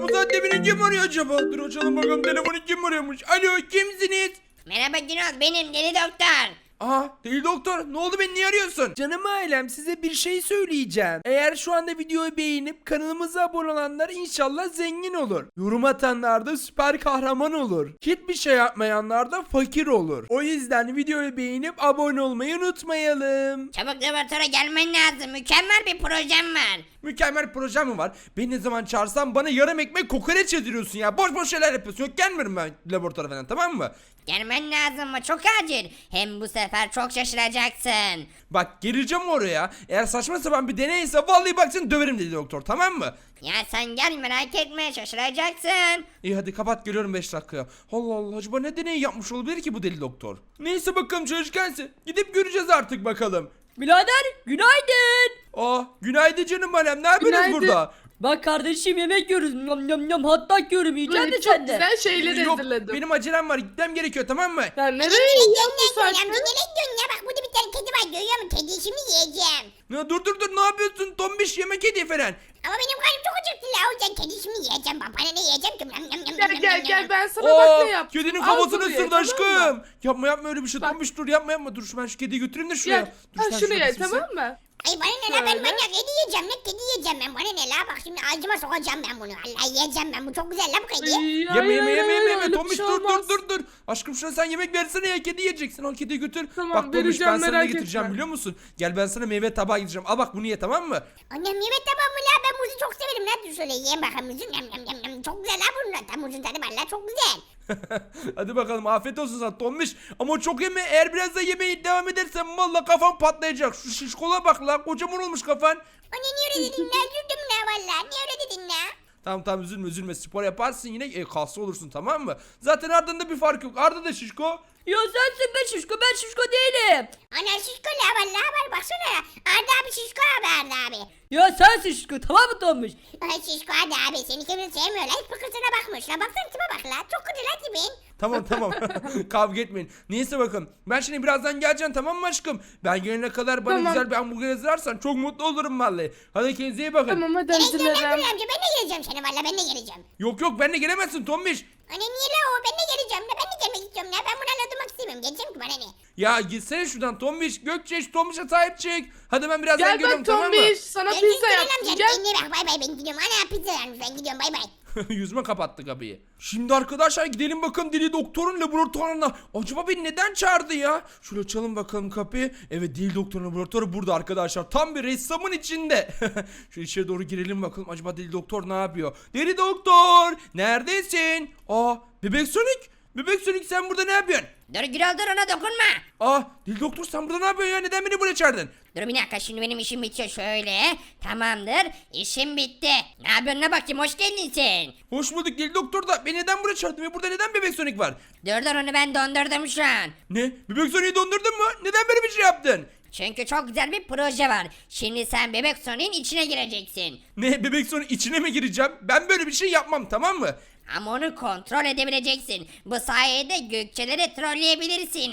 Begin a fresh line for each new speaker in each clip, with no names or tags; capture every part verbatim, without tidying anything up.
bu saatte beni kim arıyor acaba? Dur açalım bakalım telefonu kim arıyormuş. Alo kimsiniz?
Merhaba Günok, benim deli doktor.
Aha deli doktor ne oldu beni niye arıyorsun? Canım ailem size bir şey söyleyeceğim. Eğer şu anda videoyu beğenip kanalımıza abone olanlar inşallah zengin olur. Yorum atanlar da süper kahraman olur. Hiçbir şey yapmayanlar da fakir olur. O yüzden videoyu beğenip abone olmayı unutmayalım.
Çabuk laboratuvara gelmen lazım. Mükemmel bir projem var.
Mükemmel projem mi var? Beni ne zaman çağırsan bana yarım ekmek kokoreç yediriyorsun ya. Boş boş şeyler yapıyorsun. Yok gelmiyorum ben laboratuvara falan tamam mı?
Gelmen lazım ama çok acil. Hem bu sefer çok şaşıracaksın.
Bak geleceğim oraya. Eğer saçma sapan bir deneyse vallahi bak seni döverim dedi doktor tamam mı?
Ya sen gel, merak etme, şaşıracaksın.
İyi hadi kapat geliyorum beş dakikaya. Allah Allah acaba ne deney yapmış olabilir ki bu deli doktor? Neyse bakalım çalışkansı. Gidip göreceğiz artık bakalım.
Birader günaydın.
Aa günaydın canım alem ne yapıyorsunuz
Günaydın.
burada?
Bak kardeşim yemek yiyoruz. Yam yam yam hatta yiyorum yiyeceksin
Böyle
de
çok
sen de.
güzel şeyler
Yok
hazırladım.
benim acelem var gitmem gerekiyor tamam mı?
Sen nereye gidiyorsun bu saatte?
Nereye gidiyorsun ya? Bak burada bir tane kedi var, görüyor musun? Kediyi şimdi yiyeceğim.
Ya dur dur dur ne yapıyorsun tombiş yemek hediye falan.
Ama benim karnım çok acıktı la. O yüzden kediyi şimdi yiyeceğim. Bak bana ne yiyeceğim ki? Yam, yam, yam,
Gel
yam,
gel
yam,
gel
yam.
ben sana bak ne yaptım.
Kedinin
Al
kafasını
bunu ye,
ısırdı
tamam
aşkım.
mı?
Yapma yapma öyle bir şey
Bak.
tombiş dur yapma yapma dur şu ben şu kediyi götüreyim de şuraya.
Gel.
Dur,
Ha
sen
şunu
şurada
ye
mısın
tamam mı?
Ay bana ne la, ben
Şöyle.
manyak kedi yiyeceğim. Ne kedi yiyeceğim ben? Bana ne la? Bak şimdi ağzıma sokacağım ben bunu. Allah yiyeceğim ben. Bu çok güzel la bu kedi.
Ay,
Yeme
hayır,
yeme
hayır,
yeme
hayır,
yeme
öyle
yeme
bir
Tomiş
şey
dur dur
olmaz.
dur dur. Aşkım şuna sen yemek versene ya kedi yiyeceksin al kediyi götür.
Tamam,
Bak Tomiş ben
vereceğim,
sana ne
merak
getireceğim
etme.
biliyor musun? Gel ben sana meyve tabağı getireceğim. Al bak bunu ye tamam mı?
Annem yemek tamam mı la? Ben muzu çok severim la. Dur şöyle yiyeyim bakalım muzu. Yam yam yam yam. Çok güzel la bunun. Tam muzun tadı var la. Çok güzel.
Hadi bakalım afiyet olsun sana Tomiş. Ama çok yeme eğer biraz da yemeği devam edersen valla kafan patlayacak. Şu şişkola bak la kocaman olmuş kafan.
Anne niye öyle dedin la? Üzüldüm la valla. Niye öyle dedin la?
Tamam tamam üzülme üzülme spor yaparsın yine e, kaslı olursun tamam mı? Zaten Arda'nda bir fark yok. Arda da şişko.
Ya sensin be şişko, ben şişko değilim.
Ana şişko la valla var baksana. Arda abi şişko abi Arda abi.
Ya sensin şişko, tamam mı Tomuş?
Ay şişko Arda abi seni kimse sevmiyor la. Hiç fıkırsına bakmış la. Baksana tipe bak la. Çok kötü la tipin.
Tamam tamam kavga etmeyin. Neyse bakın ben şimdi birazdan geleceğim tamam mı aşkım? Ben gelene kadar bana
Tamam.
güzel bir hamburger hazırlarsan çok mutlu olurum vallahi. Hadi kendinize iyi bakın.
Tamam hadi
Ben geleceğim
hazırlarım.
amca. Ben de geleceğim seni valla. Ben de geleceğim.
Yok yok benle gelemezsin Tombiş.
Anne niye la o? Ben de geleceğim la. Ben de gelmek istiyorum la. Ben bunlarla durmak istemiyorum. Geleceğim ki bana ne?
Ya gitsene şuradan Tombiş. Gökçe şu Tombiş'e sahip çık. Hadi ben birazdan
Gel
geliyorum
bak
tamam mı?
Tombiş sana
Ben
pizza
Gülseren
yaptım
amca,
gel.
kendine bak. Bay bay ben gidiyorum. Ana pizza vermiş. Ben gidiyorum. Bay bay.
Yüzüme kapattı kapıyı. Şimdi arkadaşlar gidelim bakalım deli doktorun laboratuvarına. Acaba beni neden çağırdı ya? Şöyle açalım bakalım kapıyı. Evet deli doktorun laboratuvarı burada arkadaşlar. Tam bir ressamın içinde. Şu içeri doğru girelim bakalım. Acaba deli doktor ne yapıyor? Deli doktor neredesin? Aa bebek Sonic. Bebek Sonic sen burada ne yapıyorsun?
Dur Gürol dur ona dokunma.
Aa deli doktor sen burada ne yapıyorsun ya? Neden beni buraya çağırdın?
Dur bir dakika şimdi benim işim bitiyor şöyle. Tamamdır. İşim bitti. Ne yapıyorsun ne bakayım hoş geldin sen.
Hoş bulduk deli doktor da beni neden buraya çağırdın ve burada neden bebek Sonic var?
Dur dur onu ben dondurdum şu an.
Ne? Bebek Sonic'i dondurdun mu? Neden böyle bir şey yaptın?
Çünkü çok güzel bir proje var. Şimdi sen bebek Sonic'in içine gireceksin.
Ne? Bebek Sonic içine mi gireceğim? Ben böyle bir şey yapmam tamam mı?
Ama onu kontrol edebileceksin. Bu sayede Gökçeleri trolleyebilirsin.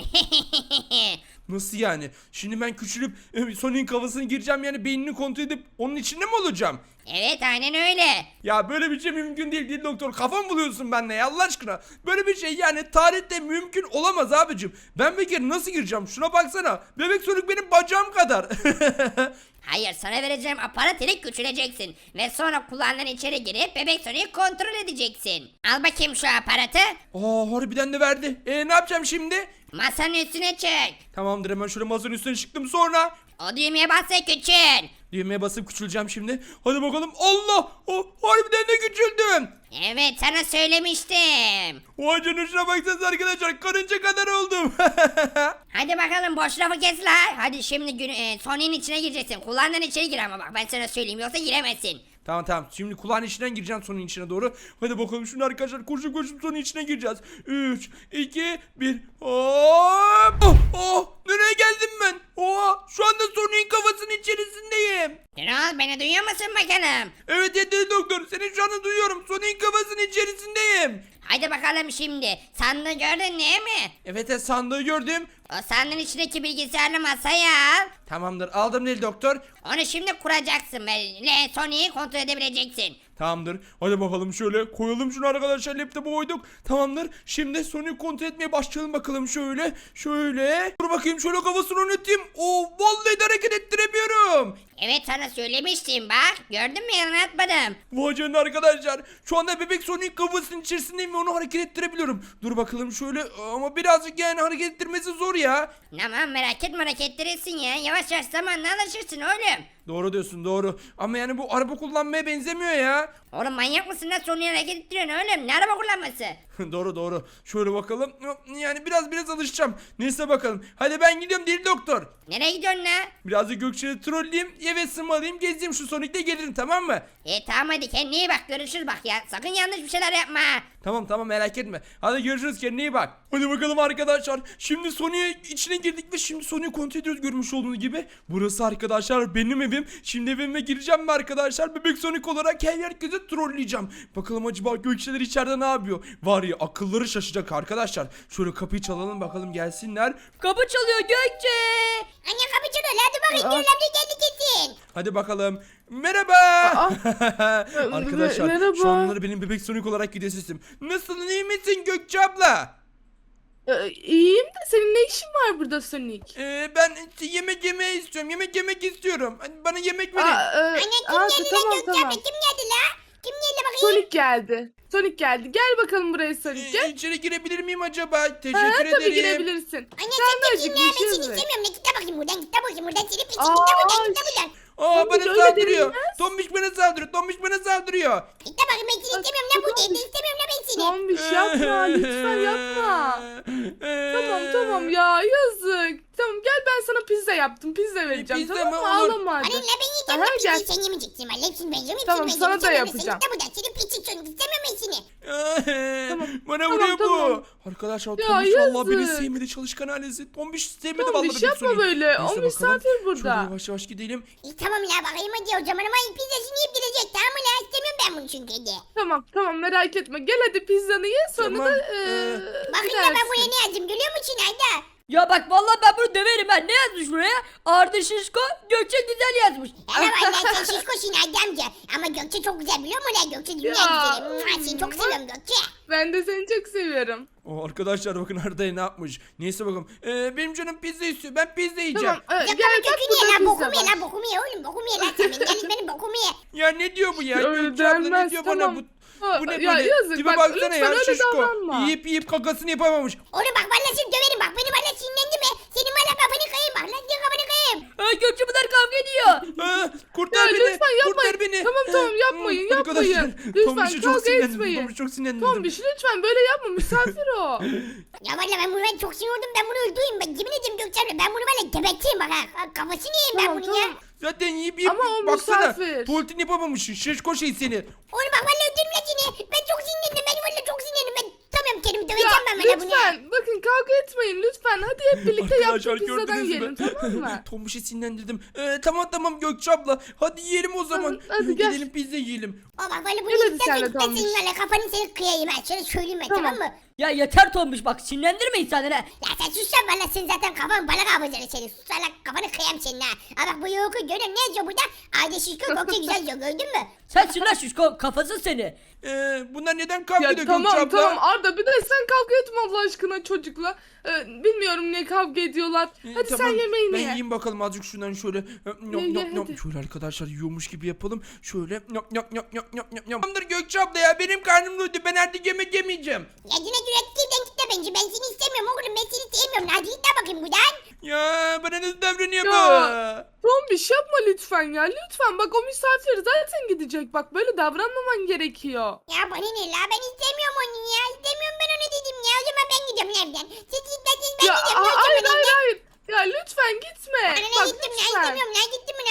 Nasıl yani? Şimdi ben küçülüp e, Sonic'in kafasına gireceğim yani beynini kontrol edip onun içinde mi olacağım?
Evet aynen öyle.
Ya böyle bir şey mümkün değil değil doktor. Kafam buluyorsun benimle ya Allah aşkına. Böyle bir şey yani tarihte mümkün olamaz abicim. Ben bir kere nasıl gireceğim? Şuna baksana. Bebek Sonic benim bacağım kadar.
Hayır sana vereceğim aparat ile küçüleceksin. Ve sonra kulağından içeri girip bebek Sonic'i kontrol edeceksin. Al bakayım şu aparatı.
Aa harbiden de verdi. E ne yapacağım şimdi?
Masanın üstüne çık.
Tamamdır hemen şöyle masanın üstüne çıktım sonra.
O düğmeye bas ve küçül.
Düğmeye basıp küçüleceğim şimdi. Hadi bakalım. Allah! Oh, harbiden de küçüldüm.
Evet sana söylemiştim.
Vay canına şuna baksanıza arkadaşlar. Karınca kadar oldum.
Hadi bakalım boş lafı kes la. Hadi şimdi gün, e, Sonic'in içine gireceksin. Kulağından içeri gir ama bak ben sana söyleyeyim yoksa giremezsin.
Tamam tamam. Şimdi kulağın içinden gireceğim sonun içine doğru. Hadi bakalım şimdi arkadaşlar koşup koşup sonun içine gireceğiz. üç, iki, bir. Hop! Oh, oh! Nereye geldim ben? Oha! Şu anda sonun kafasının içerisindeyim.
Kral beni duyuyor musun bakalım?
Evet yeterli doktor. Seni şu anda duyuyorum. Sonun kafasının içerisindeyim.
Haydi bakalım şimdi. Sandığı gördün değil mi?
Evet evet, sandığı gördüm.
O sandığın içindeki bilgisayarlı masaya al.
Tamamdır, aldım Deli Doktor.
Onu şimdi kuracaksın ve Sony'yi kontrol edebileceksin.
Tamamdır. Hadi bakalım şöyle koyalım şunu arkadaşlar, laptopa koyduk. Tamamdır. Şimdi Sony'yi kontrol etmeye başlayalım bakalım şöyle. Şöyle. Dur bakayım, şöyle kafasını oynatayım. Oo, vallahi de hareket ettiremiyorum.
Evet sana söylemiştim bak. Gördün mü yalan atmadım.
Vay canına arkadaşlar. Şu anda bebek Sony'in kafasının içerisindeyim ve onu hareket ettirebiliyorum. Dur bakalım şöyle, ama birazcık yani hareket ettirmesi zor ya.
Tamam merak etme hareket ettirirsin ya. Yavaş yavaş zamanla alışırsın oğlum.
Doğru diyorsun, doğru. Ama yani bu araba kullanmaya benzemiyor ya.
Oğlum manyak mısın lan Sony'yi hareket ettiriyorsun oğlum. Ne araba kullanması?
Doğru doğru. Şöyle bakalım. Yani biraz biraz alışacağım. Neyse bakalım. Hadi ben gidiyorum Deli Doktor.
Nereye gidiyorsun lan?
Biraz da Gökçe'yi trolleyeyim. Eve sığmalıyım. Gezeyim şu Sonic'te gelirim, tamam mı?
E tamam hadi kendine iyi bak görüşürüz bak ya. Sakın yanlış bir şeyler yapma.
Tamam tamam, merak etme. Hadi görüşürüz, kendine iyi bak. Hadi bakalım arkadaşlar. Şimdi Sonic'e içine girdik ve şimdi Sonic'i kontrol ediyoruz görmüş olduğunuz gibi. Burası arkadaşlar benim evim. Şimdi evime gireceğim ve arkadaşlar bebek Sonic olarak her herkese trolleyeceğim. Bakalım acaba Gökçeler içeride ne yapıyor? Var ya, akılları şaşacak arkadaşlar. Şöyle kapıyı çalalım bakalım, gelsinler.
Kapı çalıyor Gökçe.
Anne kapı çalıyor hadi bakayım
Aa.
diyorlar bir geldi kesin.
Hadi bakalım. Merhaba. Arkadaşlar
merhaba.
şu anları benim bebek Sonic olarak gidiyor sesim. Nasılsın, iyi misin Gökçe abla?
Ee, iyiyim de senin ne işin var burada Sonic?
Ee, ben yemek yemeyi istiyorum. Yemek yemek istiyorum. Hani bana yemek verin.
Aa, e,
Anne kim
aa,
geldi
tamam
lan Gökçe
tamam.
abla kim geldi la? Kim geldi bakayım?
Sonic geldi. Sonic geldi. Gel bakalım buraya Sonic
Ee,
gel.
içeri girebilir miyim acaba? Teşekkür
Ha,
ederim.
tabii girebilirsin.
Anne
Sen
sen
de
kimsin ya ben
acıkmışsın
seni
mı?
istemiyorum. Ne git de bakayım buradan git de bakayım buradan seni piçin
Aa,
git de buradan git de buradan.
Aa,
Tombiş,
bana
öyle
saldırıyor.
denilmez.
Tombiş bana saldırıyor. Tombiş bana saldırıyor.
Git de bakayım ben seni istemiyorum lan burada evde istemiyorum lan ben seni.
Tombiş yapma lütfen yapma.
Ee,
Tamam tamam ya yazık. Tamam gel ben sana pizza yaptım. Pizza vereceğim
pizza
tamam
mı?
mı?
Olur.
Ağlama hadi.
Anne la ben yiyeceğim
Aha,
lan
gel.
pizzayı sen yemeyeceksin valla hepsini ben yiyeceğim hepsini
Tamam,
ben
sana da
yiyeceğim.
yapacağım.
Sen git de buradan senin piçin çocuk istemiyorum ben seni.
Tamam,
Bana
tamam,
vuruyor
tamam.
bu. Arkadaşlar
Ya,
Tombiş vallahi beni
yazık.
sevmedi, çalışkan ailesi. Tombiş sevmedi
Tombiş,
vallahi bebek
yapma
Sonic.
böyle.
Neyse
O
bakalım.
misafir burada.
Şöyle yavaş yavaş gidelim.
İyi tamam la bakayım hadi o zaman ama pizzasını yiyip gidecek tamam mı la istemiyorum ben bunu çünkü hadi.
Tamam tamam merak etme. Gel hadi pizzanı ye sonra
Tamam,
da
ee,
eee
Bakın ya ben
gidersin.
buraya ne yazdım görüyor musun Ayda?
Ya bak vallahi ben bunu döverim ben. Ne yazmış buraya? Arda Şişko Gökçe güzel yazmış.
Hele valla sen şişkosun Ayda amca. Ama Gökçe çok güzel biliyor musun la Gökçe dünya
Ya.
güzeli. Mua, seni çok seviyorum Gökçe.
Ben de seni çok seviyorum.
O arkadaşlar bakın Arda'ya ne yapmış. Neyse bakalım. Ee, benim canım pizza istiyor. Ben pizza yiyeceğim.
Tamam ee,
Ya
gel
baba
bak
kökünü ye
burada
lan
pizza
bokumu ye
var.
lan bokumu ye oğlum bokumu ye lan sen benim gelin benim bokumu ye.
Ya ne diyor bu ya?
Öyle
Gökçe abla ne
denmez,
diyor
tamam.
bana bu?
Ha,
Bu ne
ya
böyle?
yazık,
Tipe
bak,
baksana
lütfen
ya,
öyle
şişko.
davranma.
Yiyip yiyip kakasını yapamamış.
Oğlum bak valla seni döverim bak beni valla sinirlendi mi? Senin valla kafanı kayayım bak lan senin kafanı kayayım.
Ha, Gökçe bunlar kavga ediyor.
Aa, kurtar
Ya
beni.
lütfen yapmayın.
Kurtar beni.
Tamam tamam yapmayın
Hmm, arkadaşlar,
yapmayın. Lütfen
Tombiş'e çok
kavga
sinirlendim.
etmeyin.
Tombiş çok sinirlendim.
Tombiş lütfen böyle yapma misafir o.
Ya valla ben bunu ben çok sinir oldum ben bunu öldüreyim ben yemin ederim Gökçe abla ben bunu valla geberteyim bak ha. Kafasını yiyeyim ben
Tamam,
bunun ya.
tamam.
Zaten yiyip yiyip
Ama o
baksana.
misafir.
Tuvaletini yapamamışsın. Şişko şey seni.
Oğlum bak valla öldürürüm lan seni. Ben çok sinirlendim ben valla çok sinirlendim ben tutamıyorum kendimi
Ya
döveceğim ben valla bunu.
lütfen bakın kavga etmeyin lütfen. Hadi hep birlikte
Arkadaşlar
yaptık pizzadan
gördünüz
yiyelim
mü?
tamam mı?
Tombiş'i sinirlendirdim. Ee, tamam tamam Gökçe abla. Hadi yiyelim o zaman.
Tamam, hadi gel.
Gidelim pizza yiyelim.
O bak valla bunu
Gel hadi
yedikten
sen de
sonra ben senin
Tombiş.
valla kafanı seni kıyayım ha. Şöyle söyleyeyim ben tamam,
Tamam.
mı?
Ya yeter Tombiş bak sinirlendirme insanları. ha.
Ya sen sus lan valla sen zaten kafan balık avcıları senin. Sus lan kafanı kıyayım senin ha. Ha bak bu yoku görüyorum ne yazıyor burada? Ayda şişko Gökçe güzel yazıyor gördün mü?
Sensin lan Şişko kafası seni.
Ee, bunlar neden kavga
Ya
ediyor Gökçe
tamam
abla?
tamam Arda bir de sen kavga etme Allah aşkına çocukla. Ee, bilmiyorum niye kavga ediyorlar.
Ee,
Hadi
tamam,
sen yemeğini
ben
ye.
yiyeyim bakalım azıcık şundan şöyle. Yop,
Ye,
yop,
ye,
yop.
hadi.
Şöyle arkadaşlar yiyormuş gibi yapalım. Şöyle yop, yop, yop, yop, yop, yop, yop. Tamamdır Gökçe abla ya, benim karnım doydu. Ben artık yemek yemeyeceğim.
Ya yine cüretliğinden git de bence ben seni istemiyorum oğlum ben seni sevmiyorum. Hadi git de bakayım buradan.
Ya bana nasıl davranıyor bu?
Ya. Tombiş yapma lütfen ya lütfen bak o misafir zaten gidecek bak böyle davranmaman gerekiyor.
Ya bana ne la ben istemiyorum onu ya. İstemiyorum ben onu dedim ya. O zaman ben gidiyorum evden. Siz gitmezseniz ben
Ya
gidiyorum.
a-
Gökçe
hayır
abla,
hayır
ben-
hayır. Ya lütfen gitme.
Bana ne
Bak
gittim ya
lütfen.
istemiyorum ya gittim ya.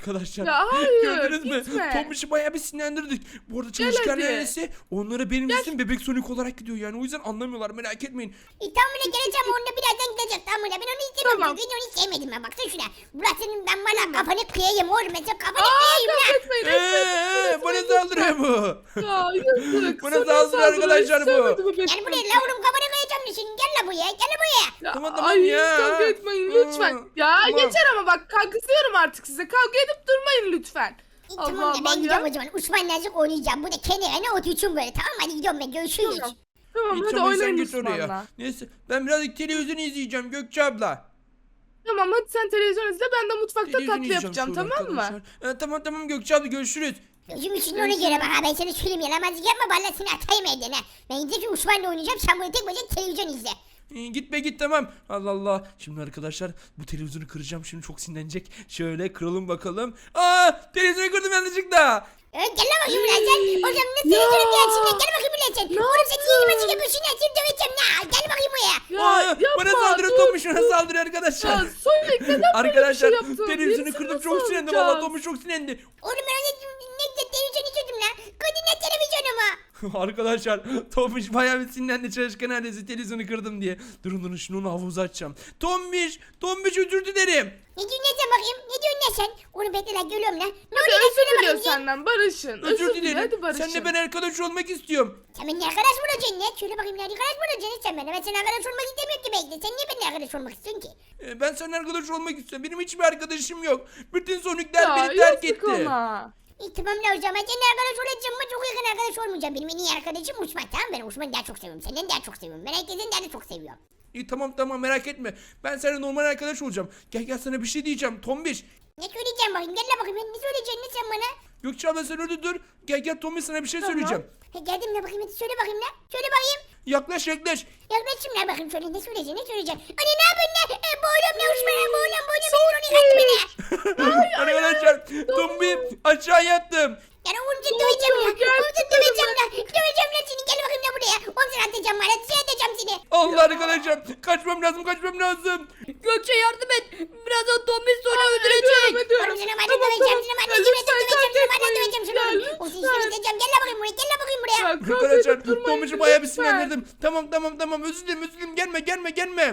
Arkadaşlar
Ya hayır,
gördünüz mü?
gitme.
Tombiş'i bayağı bir sinirlendirdik. Bu arada çalışkan
hadi.
ailesi onlara benim isim bebek Sonic olarak gidiyor yani. O yüzden anlamıyorlar, merak etmeyin.
E, tam buna geleceğim onunla birazdan gidecek tam buna. Ben onu istemiyorum
Tamam.
çünkü onu sevmedim ben. Baksana şuna. Burasının ben valla kafanı kıyayım oğlum. Mesela kafanı
Aa
kıyayım
kavga
lan.
etmeyin.
Eee bana saldırıyor bu.
Ya yazık.
Bana
Sana
saldırıyor arkadaşlar bu.
istemedi bebek
Gel buraya
Sonic.
la oğlum kafanı kıyacağım şimdi. Gel la buraya. Gel buraya.
Ya,
Tamam, tamam
ay,
ya.
kavga etmeyin lütfen.
Aa,
Ya
tamam.
yeter ama bak kızıyorum artık size. Kavga edip durmayın lütfen.
E,
Allah
tamam da
Allah
ben gidiyorum
ya.
o zaman. Uçman Nazik oynayacağım. Bu da kenara otursun böyle. Tamam hadi gidiyorum ben. Görüşürüz.
Tamam. Tamam
İyi,
hadi
tamam, sen
oynayın
git oraya.
Osman'la.
Neyse ben birazcık televizyon izleyeceğim Gökçe abla.
Tamam hadi sen televizyon izle ben de mutfakta
Televizyon
tatlı
izleyeceğim
yapacağım
şöyle
tamam mı?
arkadaşlar. Ee, tamam tamam Gökçe abla görüşürüz.
Gözüm için ona göre bak ha ben sana söyleyeyim yalamazlık yapma valla seni atayım evden ha. Ben gidince Uçman'la oynayacağım sen böyle tek başına televizyon izle.
Ee, git be git tamam. Allah Allah. Şimdi arkadaşlar bu televizyonu kıracağım. Şimdi çok sinirlenecek. Şöyle kıralım bakalım. Aa televizyonu kırdım yanlışlıkla.
Evet gel lan bakayım buraya sen. O zaman nasıl televizyon gelsin lan gel bakayım buraya sen. Oğlum sen yeni maçı yapıyorsun ya seni döveceğim ya. Gel bakayım buraya.
Ya
Aa,
yapma.
bana saldırıyor
dur,
Tomuş bana
dur.
saldırıyor arkadaşlar.
Ya Sonic neden böyle
Arkadaşlar
bir şey yaptın?
televizyonu
Birisini
kırdım
nasıl
çok sinirlendim.
alacağız?
Valla Tomuş çok sinirlendi.
Oğlum ben öyle ne güzel televizyon izliyordum lan. Kadın ne televizyonu mu?
Arkadaşlar Tomuş bayağı bir sinirlendi çalışkan ailesi televizyonu kırdım diye. Durun durun şimdi onu havuza açacağım. Tomuş Tomuş özür dilerim.
Ne diyorsun ne sen bakayım? Ne diyorsun ne sen? Oğlum bekle lan geliyorum lan. Ne
Hadi
oluyor lan söyle
özür diliyor
bakayım.
senden barışın.
Özür
dile,
dilerim.
hadi barışın.
Seninle ben arkadaş olmak istiyorum.
Sen benimle arkadaş mı olacaksın ne? Söyle bakayım ne arkadaş mı olacaksın sen benimle? Ben seninle arkadaş olmak istemiyorum ki bekle. Sen niye benimle arkadaş olmak istiyorsun ki?
Ee, Ben seninle arkadaş olmak istiyorum. Benim hiçbir arkadaşım yok. Bütün Sonic'ler
Ya
beni terk
yazık
etti.
ona.
İyi tamam la o zaman seninle arkadaş olacağım ama çok yakın arkadaş olmayacağım. Benim en iyi arkadaşım Uçman tamam ben Uçman'ı daha çok seviyorum. Senden daha çok seviyorum. Ben herkesten daha da çok seviyorum.
İyi tamam tamam merak etme. Ben seninle normal arkadaş olacağım. Gel gel sana bir şey diyeceğim Tombiş.
Ne söyleyeceğim bakayım gel la bakayım ne söyleyeceksin ne sen bana?
Gökçe abla sen orada dur. Gel gel Tombiş sana bir şey
Tamam.
söyleyeceğim.
He geldim la bakayım hadi söyle bakayım la. Söyle bakayım.
Yaklaş yaklaş.
Yaklaşayım la bakayım söyle ne söyleyeceksin ne söyleyeceksin. Anne ne yapıyorsun la? E, boğulam la Uçman'a boğulam boğulam. Ben onu kattı beni.
Arkadaşlar Tombiş aşağı yattım.
Yani onu da döveceğim la.
gel,
Onu da döveceğim la. Döveceğim la seni gel bakayım la buraya. Onu sana atacağım bana. Şey atacağım seni.
Allah arkadaşlar kaçmam lazım kaçmam lazım.
Gökçe yardım et. Birazdan Tombiş seni
Ediyorum,
öldürecek.
ediyorum.
Oğlum sana bana
Tamam,
döveceğim.
tamam.
Sana bana
Ya
döveceğim.
lütfen
Döveceğim.
kavga
Sana bana
etmeyin.
döveceğim. Sana
Ya
bana. O seni
lütfen.
isteyeceğim. Gel la bakayım buraya. Gel la bakayım buraya.
Ya kavga
Arkadaşlar
edip durmayın,
Tombiş'i bayağı bir
lütfen.
sinirlendirdim. Tamam tamam tamam özür dilerim özür dilerim gelme gelme gelme.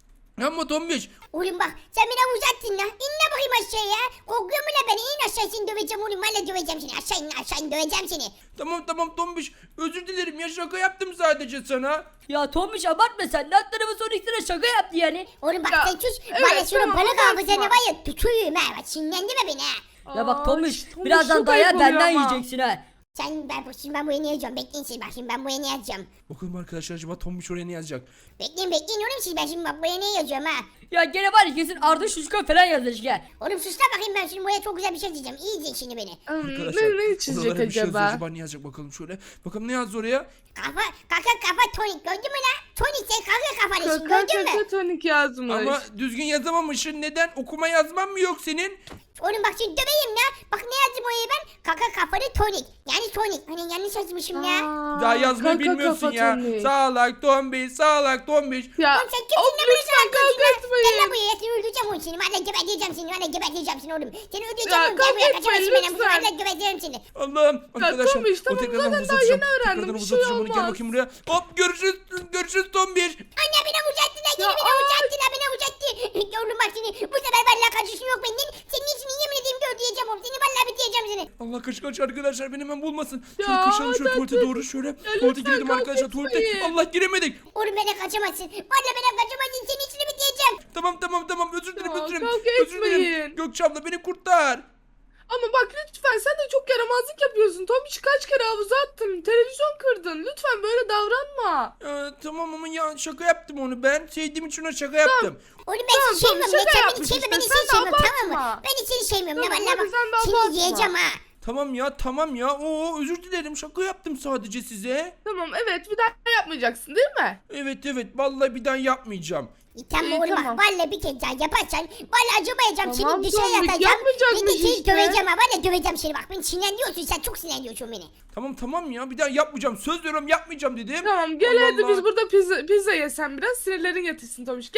Ama Tombiş
Oğlum bak sen beni uzattın la. İn la bakayım aşağıya. Korkuyor mu la beni? İn aşağı seni döveceğim oğlum. Valla döveceğim seni. Aşağı in aşağı in döveceğim seni.
tamam tamam Tombiş özür dilerim ya şaka yaptım sadece sana.
Ya Tombiş abartma sen. Alt tarafı Sonic sana şaka yaptı yani.
Oğlum bak
Ya,
sen sus.
evet,
Valla şunun
tamam,
balık
abartma.
hafızanı var ya tutuyum ha. Bak sinirlendirme beni ha.
Ya bak
Aa,
Tombiş
Tombiş
birazdan
çok
daya
ayıp oluyor
benden
ama.
yiyeceksin ha.
Sen ben şimdi ben buraya ne yazacağım? Bekleyin siz bak şimdi ben buraya ne yazacağım?
Bakalım arkadaşlar acaba Tombiş oraya ne yazacak?
Bekleyin bekleyin oğlum siz ben şimdi bak buraya ne yazıyorum ha?
Ya gene var ya kesin Arda Şuşko falan yazmış ya.
Oğlum sus da bakayım ben şimdi buraya çok güzel bir şey diyeceğim. İyi izleyin şimdi beni.
Hmm,
Arkadaşlar
ne, ne çizecek
oralara bir şey yazıyor.
acaba?
Acaba ne yazacak bakalım şöyle. Bakalım ne yazdı oraya?
Kafa kaka kafa tonik gördün mü lan? Tonik sen kaka kafalısın
Kaka
gördün mü?
kaka tonik yazmış.
Ama düzgün yazamamışsın. Neden? Okuma yazman mı yok senin?
Oğlum bak şimdi döveyim ya. Bak ne yazdım oraya ben? Kaka kafalı tonik. Yani tonik. Hani yanlış yazmışım ya.
Aa,
Daha yazmayı
kaka
bilmiyorsun
kafa
ya.
tonik.
Sağlak Tombiş, sağlak Tombiş.
Ya
Oğlum sen kimsin
of,
lan bana
lütfen
sana
kavga
Gel la
etmeyin.
buraya seni öldüreceğim oğlum seni. Valla geberteceğim seni. Valla geberteceğim seni oğlum. Seni öldüreceğim
Ya,
oğlum. Gel
kavga
buraya
etmeyin,
kaçamazsın benden.
lütfen.
Valla geberteceğim seni.
Allah'ım arkadaşlar.
Tombiş,
o
tamam,
tekrardan
zaten
havuza
daha
atacağım.
yeni öğrendim,
Tekrardan
bir
havuza
şey
atacağım onu. Gel
olmaz.
bakayım buraya. Hop görüşürüz. Görüşürüz Tombiş.
Anne beni uzattı lan.
Ya,
Yine beni
ay.
uzattı lan. Beni uzattı. Oğlum bak seni. Bu sefer valla kaçışın yok benden. Senin için yemin edeyim ki öldüreceğim oğlum. Seni valla bitireceğim seni.
Allah kaç kaç arkadaşlar beni hemen bulmasın. Şöyle
Ya,
kaçalım şöyle
hadi,
tuvalete
hadi.
doğru şöyle.
lütfen
Tuvalete girelim
kavga
arkadaşlar tuvalete.
etmeyin.
Allah giremedik.
Oğlum beni kaçamazsın. Valla beni kaçamazsın. Senin için bitireceğim.
Tamam tamam tamam özür dilerim
Ya,
özür dilerim.
kavga
Özür dilerim.
etmeyin.
Gökçe abla beni kurtar.
Ama bak lütfen sen de çok yaramazlık yapıyorsun. Tomiş kaç kere havuza attın. Televizyon kırdın. Lütfen böyle davranma.
Ee, tamam ama ya şaka yaptım onu ben. Sevdiğim için ona şaka yaptım.
Oğlum ben
Tamam,
seni
tamam,
sevmiyorum.
şaka
Sen beni
yapmış
sevme.
işte,
Beni
sen
seni
de
sevmiyorum tamam mı?
abartma.
Ben seni sevmiyorum.
Tamam,
Ya valla
hadi sen de
bak. Seni
abartma.
yiyeceğim ha.
Tamam ya tamam ya. Oo özür dilerim şaka yaptım sadece size.
Tamam evet bir daha yapmayacaksın değil mi?
Evet evet vallahi bir daha yapmayacağım.
E, tamam
İyi,
oğlum
tamam.
bak. Valla bir kez daha yaparsan. Valla acımayacağım.
Tamam,
Seni dışarı
Tomik,
atacağım. Bir de
yapmayacakmış
seni
işte.
döveceğim ha. Valla döveceğim seni bak. Beni sinirlendiriyorsun. Sen çok sinirlendiriyorsun beni.
Tamam tamam ya bir daha yapmayacağım. Söz veriyorum yapmayacağım dedim.
Tamam gel
Allah
hadi
Allah.
biz burada pizza, pizza yesen biraz sinirlerin yatışsın Tomiş gel.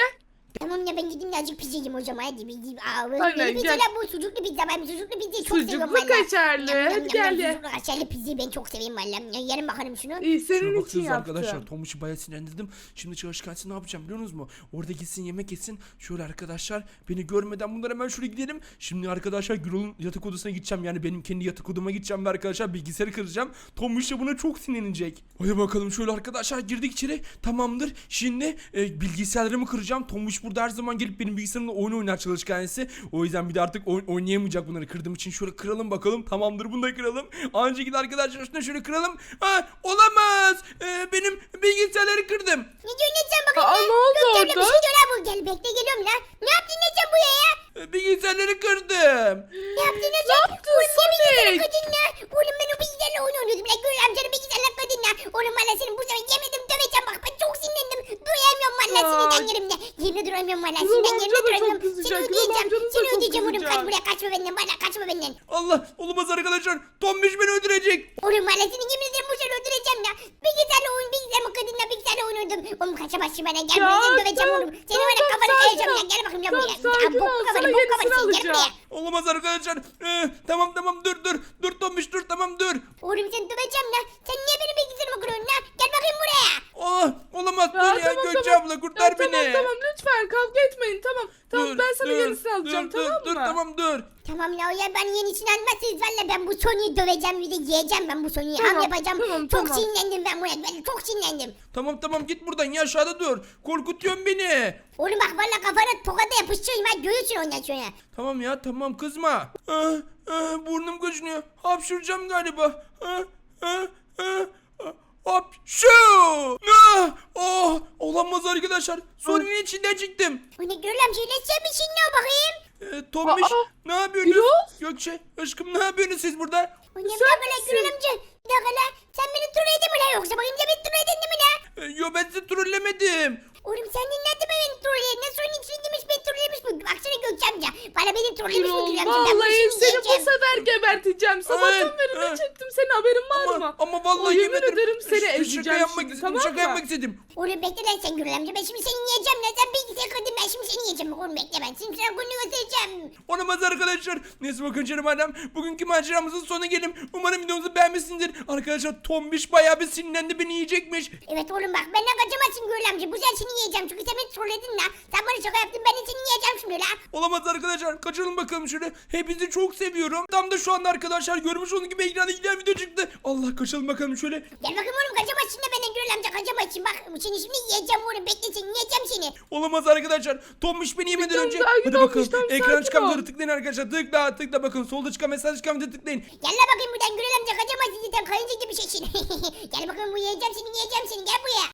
Tamam ya ben gideyim de azıcık pizza yiyeyim o zaman hadi bir gideyim. Aa,
Aynen,
böyle
gel.
pizzalar bu sucuklu pizza ben sucuklu pizzayı çok seviyorum
Sucuklu
valla.
kaşarlı.
Yam, yam,
Hadi
yam,
gel
yam,
ye.
Sucuklu kaşarlı pizzayı ben çok seviyorum valla. Ya, yerim bakalım şunu.
İyi
Şuna
senin için
baksanıza
yaptım.
arkadaşlar. Tombiş'i bayağı sinirlendirdim. Şimdi çalışkansı ne yapacağım biliyor musunuz mu? Orada gitsin yemek yesin. Şöyle arkadaşlar beni görmeden bunlar hemen şuraya gidelim. Şimdi arkadaşlar Gürol'un yatak odasına gideceğim. Yani benim kendi yatak odama gideceğim ve arkadaşlar bilgisayarı kıracağım. Tombiş de buna çok sinirlenecek. Hadi bakalım şöyle arkadaşlar girdik içeri. Tamamdır. Şimdi e, bilgisayarlarımı kıracağım. Tombiş burada her zaman gelip benim bilgisayarımda oyun oynar çalışkansı. O yüzden bir de artık oyun oynayamayacak bunları kırdığım için. Şöyle kıralım bakalım. Tamamdır bunu da kıralım. Aynı şekilde arkadaşlar şunu şöyle kıralım. Ha, olamaz. E, benim bilgisayarları kırdım.
Ne diyorsun ne sen bakayım
Aa,
ya?
ne oldu
Gökçem'le
orada?
bir şey diyor ha bu. Gel bekle geliyorum lan. Ne yaptın ne sen buraya ya?
E, bilgisayarları kırdım.
Ne yaptın ne
Ne
sen?
yaptın
Oğlum ne bilgisayarı
Sonic?
kadın ya? Oğlum ben o bilgisayarla oyun oynuyordum. Lan gör amcanın bilgisayarla kadın ya. Oğlum valla senin bu sefer yemedim döveceğim bak ben çok sinirlendim. Duramıyorum valla
Aa.
sinirden yerimde. Yerimde duramıyorum valla
Gürol
sinirden yerimde
amca da çok
duramıyorum.
kızacak,
Seni
Gürol
ödeyeceğim.
amcanız da
Seni
çok
ödeyeceğim oğlum kaç
kızacak.
buraya kaçma benden valla kaçma benden.
Allah olamaz arkadaşlar. Tombiş beni öldürecek.
Oğlum valla seni yemin ederim bu sefer öldüreceğim ya. Bilgisayarla oyun bilgisayarla kadınla bilgisayarla oyun oynadım. Oğlum kaçamazsın bana gel
Ya,
buraya seni döveceğim
tamam,
oğlum. Seni
tamam,
var ya
tamam,
kafanı
sakin
kayacağım
ol.
ya gel bakayım lan
Tamam,
buraya.
sakin
Ya, bok
ol,
kafanı
sana
bok
yenisini
kafanı seni gel buraya.
alacağım.
Olamaz arkadaşlar. Ee, tamam tamam dur dur. Dur Tombiş dur tamam dur.
Oğlum seni döveceğim lan. Sen niye benim bilgisayarımı kırıyorsun lan? Gel bakayım buraya.
Oh, olamaz
Ya,
dur ya
tamam,
Gökçe
tamam.
abla kurtar
Ya,
beni.
Tamam tamam lütfen kavga etmeyin tamam. Tamam
Dur,
ben sana
dur,
yenisini alacağım
dur,
tamam
dur,
mı?
Dur tamam dur.
Tamam la ya ben yenisini almazsınız valla ben bu Sony'yi döveceğim bir de yiyeceğim ben bu Sony'yi ham
Tamam,
yapacağım.
tamam,
çok
tamam.
sinirlendim ben buna ben çok sinirlendim.
Tamam tamam git buradan ya aşağıda dur. Korkutuyorsun beni.
Oğlum bak valla kafana tokada yapıştırayım ha görürsün ondan sonra.
Tamam ya tamam kızma. Ah, ah, burnum kaşınıyor. Hapşıracağım galiba. Ah, ah, ah, ah, Hapşu! Ah, oh, olamaz arkadaşlar. Sorunun içinden çıktım.
O ne görürüm şöyle sen bir şey ne o bakayım.
Ee, Tombiş
Aa,
ne yapıyorsunuz?
Gürol?
Gökçe aşkım ne yapıyorsunuz siz burada?
O ne bir
Sen
dakika la
misin?
görürüm amca. Bir dakika la sen beni trolledin mi la yoksa bakayım ya beni trolledin mi la?
Ee, yo ben sizi trollemedim.
Oğlum sen dinledin mi beni trolleyen? Ne Sony'nin içine girmiş beni trollemiş bu. Baksana Gökçe amca. Bana beni trollemiş bu
Gürol
görürüm amca. Ben bu
vallahi
işini
seni bu
yiyeceğim.
sefer geberteceğim. Sabahtan
Ay,
beri ne
ay.
çektim senin haberin var
Ama,
mı?
ama vallahi
O, yemin
yemin
ederim seni
Ş-
ezeceğim
Şaka yapmak
şimdi,
istedim.
tamam
şaka
mı?
yapmak istedim.
Oğlum bekle lan sen Gürül amca. Ben şimdi seni yiyeceğim lan. Sen bilgisayar kırdın ben şimdi seni yiyeceğim. Oğlum bekle ben. Şimdi sana gününü göstereceğim.
Olamaz arkadaşlar. Neyse bakın canım adam. Bugünkü maceramızın sonuna gelin. Umarım videomuzu beğenmişsinizdir. Arkadaşlar Tombiş bayağı bir sinirlendi beni yiyecekmiş.
Evet oğlum bak benden kaçamazsın Gürül amca. Bu sefer seni yiyeceğim. Çünkü sen beni trolledin la. Sen bana şaka yaptın. Ben de seni yiyeceğim şimdi la.
Olamaz arkadaşlar. Kaçalım bakalım şöyle. Hepinizi çok seviyorum. Tam da şu anda arkadaşlar görmüş olduğunuz gibi ekranda giden video çıktı. Allah kaçalım bakalım şöyle.
Gel bakayım oğlum kaçamazsın da benden Gürül amca kaçamazsın. Bak seni şimdi yiyeceğim oğlum. Bekle seni yiyeceğim seni.
Olamaz arkadaşlar. Tombiş beni yemeden
Tamam,
önce.
sakin
Hadi
ol,
bakalım.
tamam,
Ekran
sakin
çıkan
ol.
videoları tıklayın arkadaşlar. Tıkla tıkla bakın. Solda çıkan mesaj çıkan videoları tıklayın.
Gel la bakayım buradan Gürül amca kaçamazsın zaten. Kayınca gibi şeysin. Gel bakayım bu yiyeceğim seni yiyeceğim seni. Gel buraya.